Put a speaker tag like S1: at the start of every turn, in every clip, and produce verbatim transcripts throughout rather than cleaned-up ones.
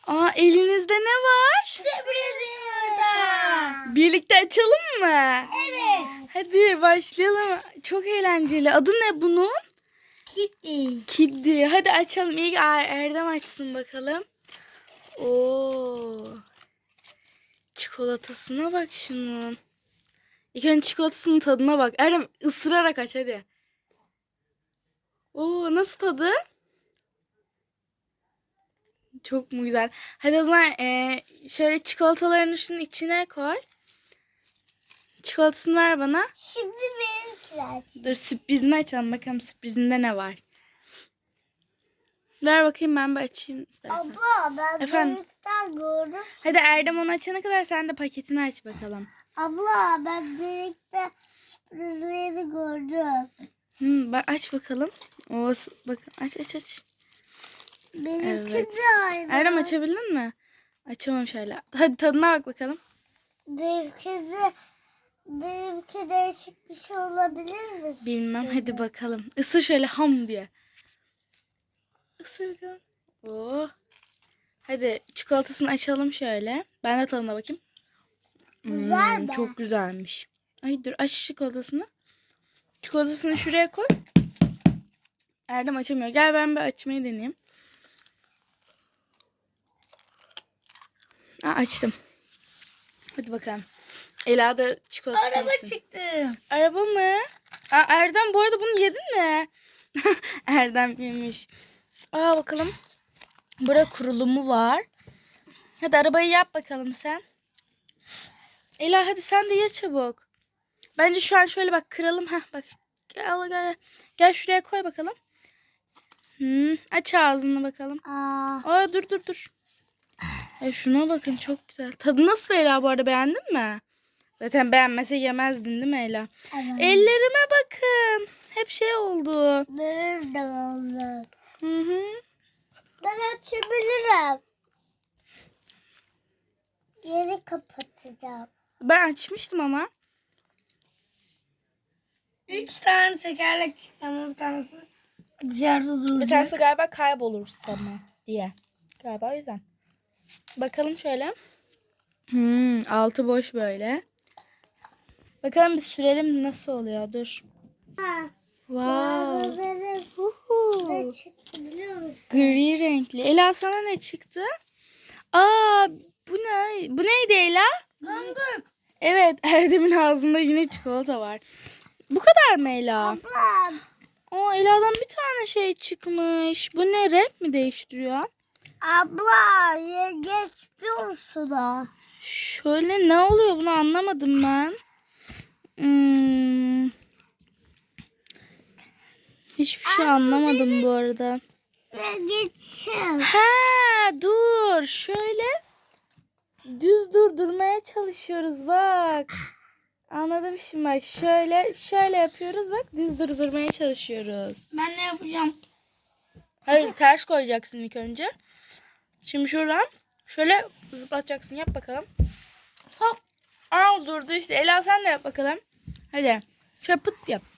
S1: Aa, elinizde ne var?
S2: Sürpriz yumurta.
S1: Birlikte açalım mı?
S2: Evet.
S1: Hadi başlayalım. Çok eğlenceli. Adı ne bunun?
S2: Kitty.
S1: Kiddi. Hadi açalım. İlk Er- Erdem açsın bakalım. Oo. Çikolatasına bak şunun. İlk önce çikolatasının tadına bak. Erdem ısırarak aç hadi. Oo, nasıl tadı? Çok mu güzel? Hadi o zaman eee, şöyle çikolatalarını şunun içine koy. Çikolatasını ver bana.
S2: Şimdi benimkiler.
S1: Dur sürprizini açalım. Bakalım sürprizinde ne var. Ver bakayım ben bir açayım istersen.
S2: Abla ben
S1: Efendim?
S2: delikten gördüm.
S1: Hadi Erdem onu açana kadar sen de paketini aç bakalım.
S2: Abla ben delikte sürprizleri gördüm.
S1: Hmm, bak aç bakalım. Oo, s- bakın aç aç aç.
S2: Benimki
S1: Evet.
S2: de aynı.
S1: Erdem açabildin mi? Açamam şöyle. Hadi tadına bak bakalım.
S2: Benimki de benimki değişik bir şey olabilir mi?
S1: Bilmem hadi bakalım. Isır şöyle ham diye. Isır bakalım. Oo. Hadi çikolatasını açalım şöyle. Ben de tadına bakayım.
S2: Güzel
S1: Hmm,
S2: mi?
S1: çok güzelmiş. Ay dur aç çikolatasını. Çikolatasını şuraya koy. Erdem açamıyor. Gel ben bir açmayı deneyeyim. Aa, açtım. Hadi bakalım. Ela da çikolatasını
S2: Araba
S1: yesin.
S2: çıktı.
S1: Araba mı? Aa, Erdem bu arada bunu yedin mi? Erdem yemiş. Aa bakalım. Burada kurulumu var. Hadi arabayı yap bakalım sen. Ela hadi sen de ye çabuk. Bence şu an şöyle bak kıralım. Heh bak. Gel gel. Gel şuraya koy bakalım. Hmm, aç ağzını bakalım.
S2: Aa,
S1: Aa dur dur dur. E şuna bakın çok güzel. Tadı nasıl Ela bu arada beğendin mi? Zaten beğenmese yemezdin değil mi Ela?
S2: evet.
S1: Ellerime bakın. Hep şey oldu.
S2: Benim de oldu.
S1: Hı hı.
S2: Ben açabilirim. Geri kapatacağım.
S1: Ben açmıştım ama.
S2: Üç tane tekerlek çıktı ama bir tanesi dışarıda duracak.
S1: Bir tanesi galiba kaybolur sana diye. Galiba o yüzden. Bakalım şöyle. Hmm, altı boş böyle. Bakalım bir sürelim nasıl oluyor. Dur.
S2: Ha,
S1: Wow.
S2: benim
S1: Uhu.
S2: ne çıktı biliyor musun?
S1: Gri renkli. Ela sana ne çıktı? Aa bu ne? Bu neydi Ela?
S2: Gongul.
S1: Evet Erdem'in ağzında yine çikolata var. Bu kadar mı Ela?
S2: Ablam.
S1: Aa Ela'dan bir tane şey çıkmış. Bu ne, renk mi değiştiriyor?
S2: Abla yengeç biliyorsun ha.
S1: Şöyle ne oluyor bunu anlamadım ben. Hmm. Hiçbir şey anlamadım bu arada.
S2: Yengeçim.
S1: Ha dur şöyle düz durdurmaya çalışıyoruz bak. Anladım şimdi bak şöyle şöyle yapıyoruz bak düz durdurmaya çalışıyoruz.
S2: Ben ne yapacağım?
S1: Hayır ters koyacaksın ilk önce. Şimdi şuradan şöyle zıplatacaksın yap bakalım. Hop. Aa durdu işte. Ela sen de yap bakalım. Hadi. Şöyle pıt yap.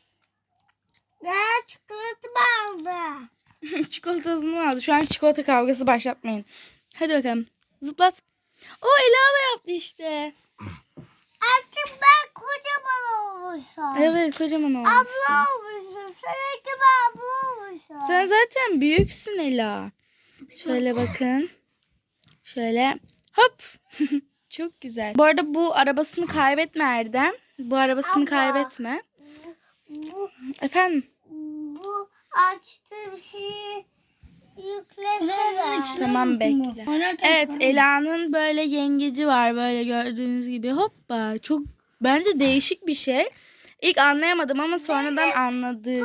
S2: Ben çikolatımı aldım.
S1: Çikolatasını mı aldı? Şu an çikolata kavgası başlatmayın. Hadi bakalım. Zıplat. O Ela da yaptı işte.
S2: Artık ben kocaman olmuşum.
S1: Evet kocaman olmuşsun.
S2: Abla olmuşum. Seninki ben abla olmuşum.
S1: Sen zaten büyüksün Ela. Şöyle bakın. Şöyle hop. Çok güzel. Bu arada bu arabasını kaybetme Erdem. Bu arabasını
S2: Abla.
S1: kaybetme.
S2: Bu,
S1: Efendim?
S2: bu açtığım şeyi yüklesene.
S1: Tamam bekle. Evet Ela'nın böyle yengeci var böyle gördüğünüz gibi. Hoppa çok bence değişik bir şey. İlk anlayamadım ama sonradan anladık.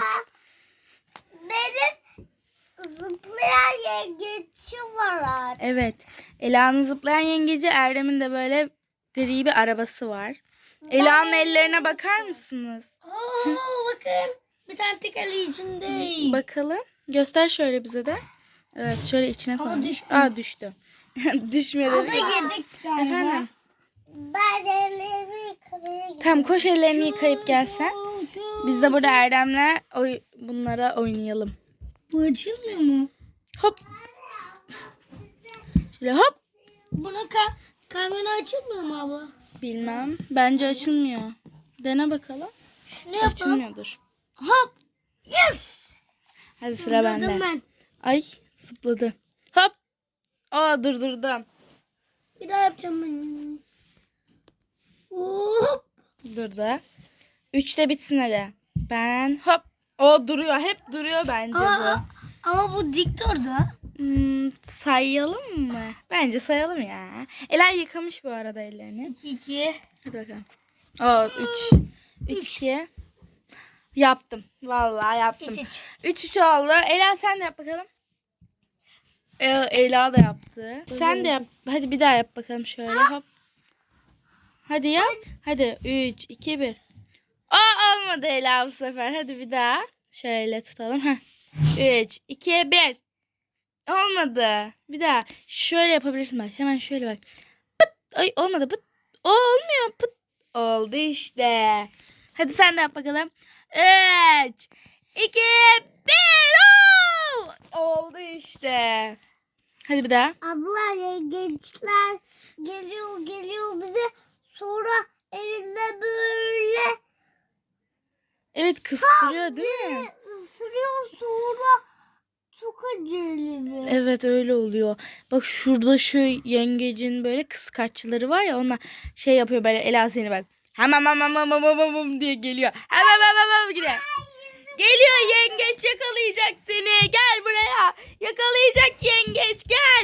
S2: Benim zıplayan yengeçim var.
S1: Evet Ela'nın zıplayan yengeci, Erdem'in de böyle gri bir arabası var. Ela'nın ellerine bakar mısınız?
S2: Oo, bakın bir tane tekerleği içindeyim.
S1: Bakalım. Göster şöyle bize de. Evet şöyle içine
S2: Ama
S1: koymuş.
S2: düştü.
S1: Aa düştü. Düşmedi.
S2: O da yedik galiba.
S1: Efendim?
S2: Ben ellerimi yıkamaya gidiyorum.
S1: Tamam koş ellerini yıkayıp gelsen. Biz de burada Erdem'le oy bunlara oynayalım.
S2: Bu açılmıyor mu?
S1: Hop. Böyle hop.
S2: Buna ka kamera açılmıyor mu abla?
S1: Bilmem. Bence açılmıyor. Dene bakalım.
S2: Şunu yapalım.
S1: Açılmıyordur.
S2: Hop. Yes.
S1: Hadi sıra bende.
S2: Anladım ben.
S1: Ay zıpladı. Hop. Aa durdurdum.
S2: Bir daha yapacağım ben. Hop.
S1: Durdu. Üçte bitsin hadi. Ben hop. O duruyor. Hep duruyor bence
S2: Ama, ama bu dik durdu.
S1: bu. Hmm, sayalım mı? Bence sayalım ya. Ela yıkamış bu arada ellerini.
S2: iki iki.
S1: Hadi bakalım. O üç. üç iki. Yaptım. Vallahi yaptım.
S2: üç üç.
S1: üç üç oldu. Ela sen de yap bakalım. Ee, Ela da yaptı. Sen de yap. Hadi bir daha yap bakalım şöyle. Hop. Hadi yap. Hadi üç iki bir. Aa olmadı Ela bu sefer. Hadi bir daha. Şöyle tutalım. Heh. üç iki bir. Olmadı. Bir daha. Şöyle yapabilirsin bak. Hemen şöyle bak. Pıt. Ay olmadı. Pıt. O olmuyor. Pıt. Oldu işte. Hadi sen de yap bakalım. üç iki bir. Oldu işte. Hadi bir daha.
S2: Abla gençler geliyor geliyor bize sonra elinde böyle
S1: Evet kıstırıyor değil mi?
S2: ısırıyor sonra çok acılı.
S1: Evet öyle oluyor. Bak şurada şu yengecin böyle kıskaçları var ya, onlar şey yapıyor böyle. Ela seni bak. Hamam hamam hamam hamam hamam diye geliyor. Hamam hamam hamam gidiyor. Geliyor yengeç, yakalayacak seni. Gel buraya. Yakalayacak yengeç, gel.